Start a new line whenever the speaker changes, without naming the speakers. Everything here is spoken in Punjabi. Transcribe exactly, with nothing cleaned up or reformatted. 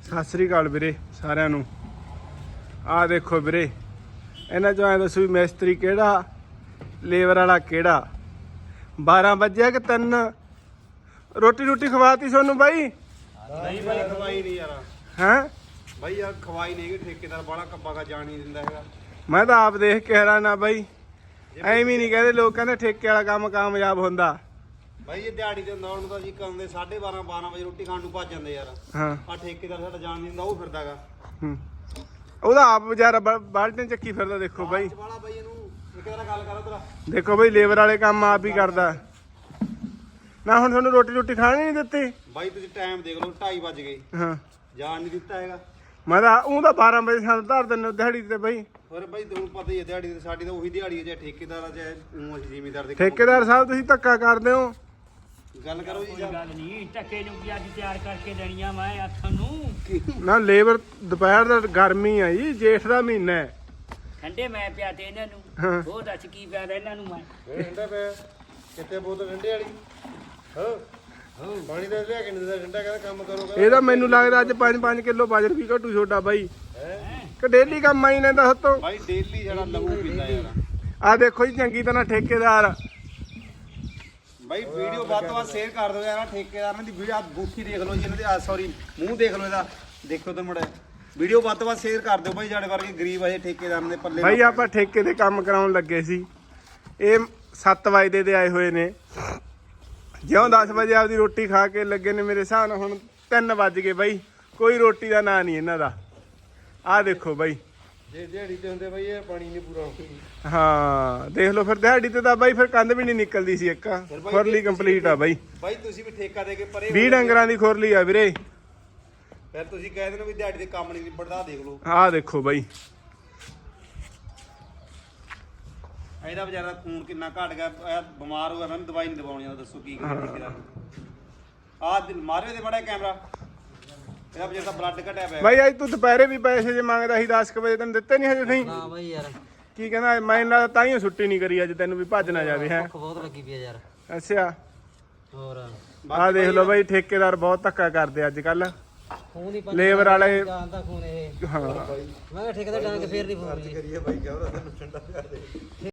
ਸਤਿ ਸ੍ਰੀ ਅਕਾਲ ਵੀਰੇ ਸਾਰਿਆਂ ਨੂੰ। ਆਹ ਦੇਖੋ ਵੀਰੇ, ਇਹਨਾਂ ਚੋਂ ਐਂ ਦੱਸੋ ਵੀ ਮਿਸਤਰੀ ਕਿਹੜਾ, ਲੇਬਰ ਵਾਲਾ ਕਿਹੜਾ। ਬਾਰਾਂ ਵਜੇ ਕਿ ਤਿੰਨ ਰੋਟੀ ਰੋਟੀ ਖਵਾਤੀ ਤੁਹਾਨੂੰ ਬਾਈ?
ਨਹੀਂ ਬਾਈ ਖਵਾਈ ਨਹੀਂ ਯਾਰ।
ਹੈਂ
ਬਾਈ ਯਾਰ ਖਵਾਈ ਨਹੀਂ, ਠੇਕੇਦਾਰ ਬਾਹਲਾ ਕੱਬਾ ਕਾ ਜਾਣ ਨਹੀਂ ਦਿੰਦਾ ਹੈਗਾ।
ਮੈਂ ਤਾਂ ਆਪ ਦੇਖ ਕੇ ਹੈਰਾਨ ਆ ਬਾਈ। ਐਵੇਂ ਨਹੀਂ ਕਹਿੰਦੇ ਲੋਕ, ਕਹਿੰਦੇ ਠੇਕੇ ਵਾਲਾ ਕੰਮ ਕਾਮਯਾਬ ਹੁੰਦਾ।
ਬਾਈ ਇਹ ਦਿਹਾੜੀ ਤੇ ਹੁੰਦਾ ਉਹਨੂੰ ਤਾਂ ਜੀ ਕਰਦੇ ਸਾਢੇ ਬਾਰਾਂ ਬਾਰਾਂ ਵਜੇ ਰੋਟੀ ਖਾਣ ਨੂੰ ਭੱਜ ਜਾਂਦੇ ਯਾਰ।
ਹਾਂ
ਆ ਠੇਕੇਦਾਰ ਸਾਡਾ ਜਾਣ ਨਹੀਂ ਦਿੰਦਾ, ਉਹ ਫਿਰਦਾਗਾ।
ਹੂੰ, ਉਹਦਾ ਆਪ ਵਿਚਾਰਾ ਬਾਲਟੀਆਂ ਚੱਕੀ ਫਿਰਦਾ। ਦੇਖੋ ਬਾਈ,
ਵਾਲਾ ਬਾਈ ਇਹਨੂੰ ਠੇਕੇਦਾਰ ਗੱਲ ਕਰ ਤੇਰਾ।
ਦੇਖੋ ਬਾਈ, ਲੇਬਰ ਵਾਲੇ ਕੰਮ ਆਪ ਹੀ ਕਰਦਾ ਨਾ। ਹੁਣ ਤੁਹਾਨੂੰ ਰੋਟੀ ਰੋਟੀ ਖਾਣੀ ਨਹੀਂ ਦਿੱਤੀ
ਬਾਈ ਤੁਸੀਂ ਟਾਈਮ ਦੇਖ ਲਓ, ਢਾਈ ਵੱਜ ਗਏ,
ਹਾਂ
ਜਾਣ ਨਹੀਂ ਦਿੱਤਾ ਹੈਗਾ।
ਮੈਂ ਤਾਂ ਉਹ ਤਾਂ ਬਾਰਾਂ ਵਜੇ ਸਾਨੂੰ ਧਰ ਦਿੰਦੇ ਦਿਹਾੜੀ ਤੇ ਬਾਈ।
ਹੋਰ ਬਾਈ ਤੁਹਾਨੂੰ ਪਤਾ ਹੀ ਹੈ ਦਿਹਾੜੀ ਤੇ ਸਾਡੀ ਤਾਂ ਉਹੀ ਦਿਹਾੜੀ ਹੈ, ਚਾਹੇ ਠੇਕੇਦਾਰ ਆ ਚਾਹੇ ਊਂ ਅਸੀਂ ਜ਼ਿਮੀਦਾਰ ਦੇ।
ਠੇਕੇਦਾਰ ਸਾਹਿਬ ਤੁਸੀਂ ਧੱਕਾ ਕਰਦੇ ਹੋ।
ਗੱਲ ਕਰੋ ਜੀ।
ਕੋਈ ਗੱਲ ਨਹੀਂ, ਟੱਕੇ ਨੂੰ ਕੀ ਅੱਜ ਤਿਆਰ ਕਰਕੇ ਦੇਣੀਆਂ ਮੈਂ ਹੱਥਾਂ ਨੂੰ।
ਨਾ ਲੇਬਰ ਦੁਪਹਿਰ ਦਾ ਗਰਮੀ ਆ ਜੀ, ਜੇਠ ਦਾ ਮਹੀਨਾ ਹੈ।
ਠੰਡੇ ਮੈਂ ਪਿਆ ਤੇ ਇਹਨਾਂ
ਹਾਂ।
ਨੂੰ ਉਹ ਦੱਸ ਕੀ ਪਿਆ ਇਹਨਾਂ ਨੂੰ ਮੈਂ।
ਇਹ ਠੰਡਾ ਪਿਆ ਕਿੱਥੇ ਬੋਤਲ ਠੰਡੇ ਵਾਲੀ? ਹਾਂ ਹਾਂ ਪਾਣੀ ਦਾ ਲਿਆ ਕੇ ਨਹੀਂ ਦਿੰਦਾ ਠੰਡਾ, ਕਹਿੰਦਾ ਕੰਮ ਕਰੋ।
ਇਹਦਾ ਮੈਨੂੰ ਲੱਗਦਾ ਅੱਜ ਪੰਜ ਪੰਜ ਕਿਲੋ ਬਾਜਰ ਵੀ ਘਟੂ ਛੋਟਾ ਬਾਈ।
ਹੈ
ਕਿ ਡੇਲੀ ਕੰਮ ਆਈ ਲੈਂਦਾ ਹੱਥੋਂ।
ਬਾਈ ਡੇਲੀ ਜਿਹੜਾ ਲਹੂ ਪੀਂਦਾ ਯਾਰ।
ਆ ਦੇਖੋ ਜੀ, ਚੰਗੀ ਤਰ੍ਹਾਂ ਠੇਕੇਦਾਰ।
ਬਾਈ ਵੀਡੀਓ ਵੱਧ ਤੋਂ ਵੱਧ ਸ਼ੇਅਰ ਕਰ ਦਿਓ ਯਾਰ। ਠੇਕੇਦਾਰਾਂ ਦੀ ਵੀਡੀਓ ਬੂਥੀ ਦੇਖ ਲਓ ਜੀ, ਇਹਨਾਂ ਦੇ ਆ ਸੌਰੀ ਮੂੰਹ ਦੇਖ ਲਓ ਇਹਦਾ, ਦੇਖੋ ਤੇ ਮੁੜੇ ਵੀਡੀਓ ਵੱਧ ਤੋਂ ਵੱਧ ਸ਼ੇਅਰ ਕਰ ਦਿਓ ਬਾਈ। ਸਾਡੇ ਵਰਗੇ ਗਰੀਬ ਅਜੇ ਠੇਕੇਦਾਰਾਂ ਦੇ ਪੱਲੇ
ਬਾਈ ਆਪਾਂ ਠੇਕੇ ਤੇ ਕੰਮ ਕਰਾਉਣ ਲੱਗੇ ਸੀ। ਇਹ ਸੱਤ ਵਜੇ ਦੇ ਆਏ ਹੋਏ ਨੇ। ਜਿਉਂ ਦਸ ਵਜੇ ਆਪਦੀ ਰੋਟੀ ਖਾ ਕੇ ਲੱਗੇ ਨੇ, ਮੇਰੇ ਹਿਸਾਬ ਨਾਲ ਹੁਣ ਤਿੰਨ ਵੱਜ ਗਏ ਬਾਈ। ਕੋਈ ਰੋਟੀ ਦਾ ਨਾਂ ਨਹੀਂ ਇਹਨਾਂ ਦਾ। ਆਹ ਦੇਖੋ ਬਾਈ,
ਜੇ ਦਿਹਾੜੀ ਤੇ ਹੁੰਦੇ ਬਾਈ ਇਹ ਪਾਣੀ ਨਹੀਂ ਪੂਰਾ ਹੁੰਦਾ।
ਹਾਂ ਦੇਖ ਲਓ ਫਿਰ ਦਿਹਾੜੀ ਤੇ ਤਾਂ ਬਾਈ ਫਿਰ ਕੰਧ ਵੀ ਨਹੀਂ ਨਿਕਲਦੀ ਸੀ। ਇੱਕ ਖੁਰਲੀ ਕੰਪਲੀਟ ਆ ਬਾਈ।
ਬਾਈ ਤੁਸੀਂ ਵੀ ਠੇਕਾ ਦੇ ਕੇ ਪਰੇ
ਵੀਹ ਡੰਗਰਾਂ ਦੀ ਖੁਰਲੀ ਆ ਵੀਰੇ।
ਫਿਰ ਤੁਸੀਂ ਕਹਿ ਦਿੰਦੇ ਵੀ ਦਿਹਾੜੀ ਦੇ ਕੰਮ ਨਹੀਂ ਨਿਬੜਦਾ, ਦੇਖ ਲਓ
ਆਹ ਦੇਖੋ ਬਾਈ,
ਇਹਦਾ ਵਿਚਾਰਾ ਖੂਨ ਕਿੰਨਾ ਘਟ ਗਿਆ। ਇਹ ਬਿਮਾਰ ਹੋ ਗਿਆ, ਮੈਨੂੰ ਦਵਾਈ ਨਹੀਂ ਦਵਾਉਣੀ ਆ। ਦੱਸੋ ਕੀ ਕਰੀਏ ਠੇਕੇਦਾਰ ਨੂੰ। ਆਹ ਮਾਰਿਓ ਦੇ ਬੜਾ ਕੈਮਰਾ, ਇਹਦਾ ਵਿਚਾਰਾ ਦਾ ਬਲੱਡ ਘਟਿਆ ਪਿਆ।
ਬਾਈ ਅੱਜ ਤੂੰ ਦੁਪਹਿਰੇ ਵੀ ਪੈਸੇ ਜੇ ਮੰਗਦਾ ਸੀ ਦਸ ਕੁ ਵਜੇ, ਤੈਨੂੰ ਦਿੱਤੇ ਨਹੀਂ ਹਜੇ? ਨਹੀਂ
ਨਾ ਬਾਈ ਯਾਰ,
ਕੀ ਕਹਿੰਦਾ? ਮੈਂ ਇਹਨਾਂ ਦਾ ਤਾਂ ਹੀ ਛੁੱਟੀ ਨਹੀਂ ਕਰੀ ਅੱਜ, ਤੈਨੂੰ ਵੀ ਭੱਜ ਨਾ ਜਾਵੇ। ਹੈ
ਭੁੱਖ ਬਹੁਤ ਲੱਗੀ ਪਈ ਆ ਯਾਰ।
ਅੱਛਾ,
ਹੋਰ
ਆਹ ਦੇਖ ਲਓ ਬਾਈ, ਠੇਕੇਦਾਰ ਬਹੁਤ ਧੱਕਾ ਕਰਦੇ ਅੱਜ ਕੱਲ।
ਖੂਨ ਹੀ
ਲੇਬਰ ਵਾਲੇ
ਜਾਣਦਾ ਖੂਨ ਇਹ।
ਹਾਂ
ਮੈਂ ਕਿਹਾ ਠੇਕੇਦਾਰ ਡਾਂਗ ਫੇਰ ਨਹੀਂ ਫੋਨ
ਕਰੀਏ ਬਾਈ, ਕਹਿ ਰਿਹਾ ਤੈਨੂੰ ਠੰਡਾ ਕਰ ਦੇ।